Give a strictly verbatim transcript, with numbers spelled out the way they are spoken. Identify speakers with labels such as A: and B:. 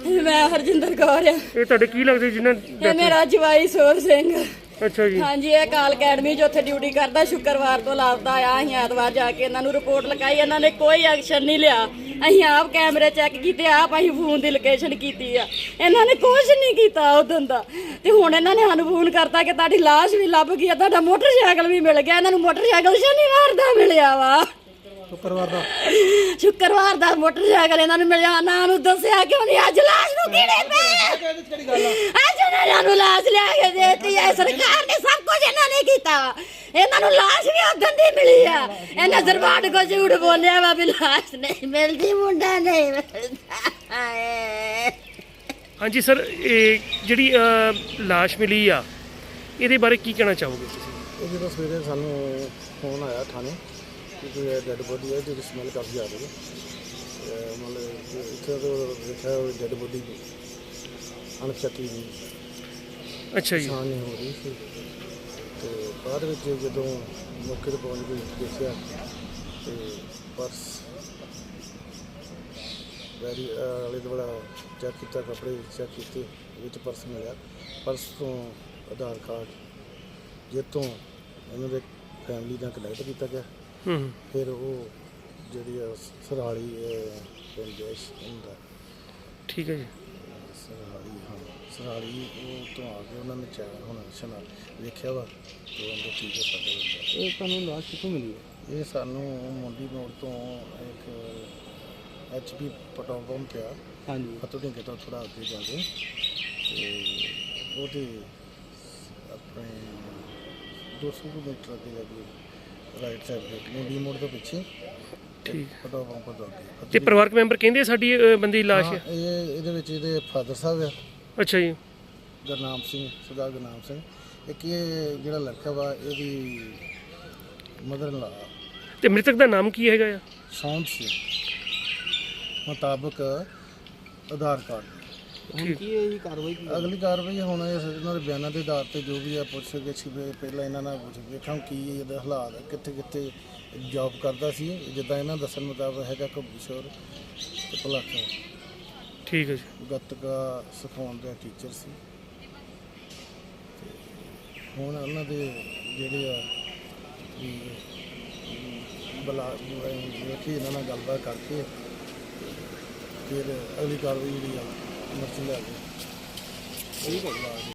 A: मैं हरजिंदर कौर है।
B: ਇਹ ਤੁਹਾਡੇ ਕੀ ਲੱਗਦੇ ਜਿਨ੍ਹਾਂ
A: ये मेरा जवाई सोर सिंह।
B: ਅੱਛਾ ਜੀ।
A: हाँ जी, ये काल अकैडमी जो उत्थे ड्यूटी करता शुक्रवार तो लापता आया। अं ऐतवार जाके इन्हों रिपोर्ट लिखाई, इन्होंने कोई एक्शन नहीं लिया। अं आप कैमरे चैक किए, आप अं फोन की लोकेशन की है, इन्होंने कुछ नहीं किया उदों का। तो हुण इन्होंने सानू फोन करता कि तुहाडी लाश भी लभ गई है, तुहाडा मोटरसाइकिल भी मिल गया। इन्होंने मोटरसाइकिल शनिवार का मिलिया वा,
C: शुक्रवार का
A: शुक्रवार का मोटरसाइकिल इन्होंने मिलिया। ना उन्होंने दसिया क्यों नहीं, अज लाश नूं कीड़े पे, अज उन्होंने लाश लिया के देती है। सरकार ने सब कुछ इन्होंने किया, इन्होंने लाश भी उदन दी मिली है। इन्हें दरबार को झूठ बोलिया वा भी लाश नहीं मिलती, मुंडा नहीं मिलता।
B: ਹਾਂਜੀ ਸਰ, ਇਹ ਜਿਹੜੀ ਅ, ਲਾਸ਼ ਮਿਲੀ ਆ ਇਹਦੇ ਬਾਰੇ ਕੀ ਕਹਿਣਾ ਚਾਹੋਗੇ ਤੁਸੀਂ?
C: ਇਹ ਜਦੋਂ ਸਵੇਰੇ ਸਾਨੂੰ ਫੋਨ ਆਇਆ ਥਾਣੇ ਕਿ ਕੋਈ ਡੈਡ ਬੋਡੀ ਹੈ ਜਿਹਦੀ ਸਮੈਲ ਕਾਫੀ ਆ ਰਹੀ ਹੈ। ਤੇ ਮਤਲਬ ਕਿ ਇੱਥੇ ਤੋਂ ਦੇਖਿਆ ਡੈਡ ਬੋਡੀ ਅਣਚੱਕੀ ਦੀ
B: ਅੱਛਾ ਜੀ।
C: ਪਛਾਣ ਨਹੀਂ ਹੋ ਰਹੀ ਸੀ। ਤੇ ਬਾਅਦ ਵਿੱਚ ਜਦੋਂ ਮੌਕੇ 'ਤੇ ਪਹੁੰਚ ਕੇ ਦੇਖਿਆ ਤੇ ਪਰਸ ਵੈਰੀ ਆਲੇ ਦੁਆਲਾ ਚੈੱਕ ਕੀਤਾ, ਕੱਪੜੇ ਚੈੱਕ ਕੀਤੇ, ਵਿੱਚ ਪਰਸ ਮਿਲਿਆ। ਪਰਸ ਤੋਂ ਆਧਾਰ ਕਾਰਡ ਜਿਹ ਤੋਂ ਇਹਨਾਂ ਦੇ ਫੈਮਿਲੀ ਨਾਲ ਕਨੈਕਟ ਕੀਤਾ ਗਿਆ।
B: ਹੂੰ
C: ਫਿਰ ਉਹ ਜਿਹੜੀ ਆ ਸਰਾਲੀ ਪਿੰਡ ਹੁੰਦਾ,
B: ਠੀਕ ਹੈ ਜੀ।
C: ਸਰਾਲੀ ਹਾਂ ਸਰਾਲੀ ਉਹ ਤੋਂ ਆ ਕੇ ਉਹਨਾਂ ਨੇ ਚੈੱਕ ਹੁਣ ਸ਼ਨਾ ਵੇਖਿਆ ਵਾ ਤੇ ਉਹਦੇ ਠੀਕ ਹੈ ਸਾਡੇ ਬੰਦਾ। ਇਹ ਤੁਹਾਨੂੰ ਲਾਸ਼ ਕਿੱਥੋਂ ਮਿਲੀ ਹੈ? ਇਹ ਸਾਨੂੰ ਮੁੰਡੀ ਮੋੜ ਤੋਂ ਇੱਕ ਐਚ ਪੀ ਪੈਟਰੋਲ ਪੰਪ ਪਿਆ, ਹਾਂਜੀ, ਫਤੋ ਢਿੰਗੇ ਤੋਂ ਥੋੜ੍ਹਾ ਅੱਗੇ ਜਾ ਕੇ, ਅਤੇ ਉਹਦੇ ਆਪਣੇ ਦੋ ਸੌ ਮੀਟਰ ਅੱਗੇ ਜਾ ਕੇ ਰਾਈਟ ਸਾਈਡ 'ਤੇ ਮੁੰਡੀ ਮੋੜ ਤੋਂ ਪਿੱਛੇ
B: ਠੀਕ
C: ਪੈਟਰੋਲ ਪੰਪ ਤੋਂ ਅੱਗੇ।
B: ਤੇ ਪਰਿਵਾਰਕ ਮੈਂਬਰ ਕਹਿੰਦੇ ਸਾਡੀ ਅ, ਬੰਦੇ ਦੀ ਲਾਸ਼ ਹੈ?
C: ਇਹ ਇਹਦੇ ਵਿੱਚ ਇਹਦੇ ਫਾਦਰ ਸਾਹਿਬ ਆ
B: ਅੱਛਾ ਜੀ।
C: ਗੁਰਨਾਮ ਸਿੰਘ, ਸਰਦਾਰ ਗੁਰਨਾਮ ਸਿੰਘ। ਇੱਕ ਇਹ ਜਿਹੜਾ ਲੜਕਾ ਵਾ ਇਹਦੀ ਮਦਰ ਲਾ
B: ਤੇ ਮ੍ਰਿਤਕ ਦਾ ਨਾਮ ਕੀ ਹੈਗਾ ਆ?
C: ਸੌਂਦ ਸਿੰਘ ਮੁਤਾਬਕ ਆਧਾਰ ਕਾਰਡ।
B: ਹੁਣ
C: ਕੀ ਇਹ ਕਾਰਵਾਈ ਅਗਲੀ ਕਾਰਵਾਈ ਹੁਣ ਇਹਨਾਂ ਦੇ ਬਿਆਨਾਂ ਦੇ ਆਧਾਰ ਤੇ ਜੋ ਵੀ ਆ ਪੁੱਛ ਕੇ ਸੀ ਪਹਿਲਾਂ ਇਹਨਾਂ ਨਾਲ ਪੁੱਛ ਵੇਖਾਂ ਕੀ ਇਹਦਾ ਹਾਲਾਤ, ਕਿੱਥੇ ਕਿੱਥੇ ਜੌਬ ਕਰਦਾ ਸੀ, ਜਿੱਦਾਂ ਇਹਨਾਂ ਦੱਸਣ ਮੁਤਾਬਕ ਹੈਗਾ ਕਬੂਸ਼ਰ ਤੇ ਭਲਾਕਾ।
B: ਠੀਕ ਹੈ ਜੀ।
C: ਗੱਤਕਾ ਸਿਖਾਉਣ ਦਾ ਟੀਚਰ ਸੀ। ਹੁਣ ਉਹਨਾਂ ਦੇ ਜਿਹੜੇ ਆ ਵੀ ਬਲਾ ਵੇਖੀ ਇਹਨਾਂ ਨਾਲ ਗੱਲਬਾਤ ਕਰਕੇ ਫਿਰ ਅਗਲੀ ਕਾਰਵਾਈ ਜਿਹੜੀ ਆ ਮਰਜ਼ੀ ਲੈ ਕੇ ਠੀਕ ਹੈ।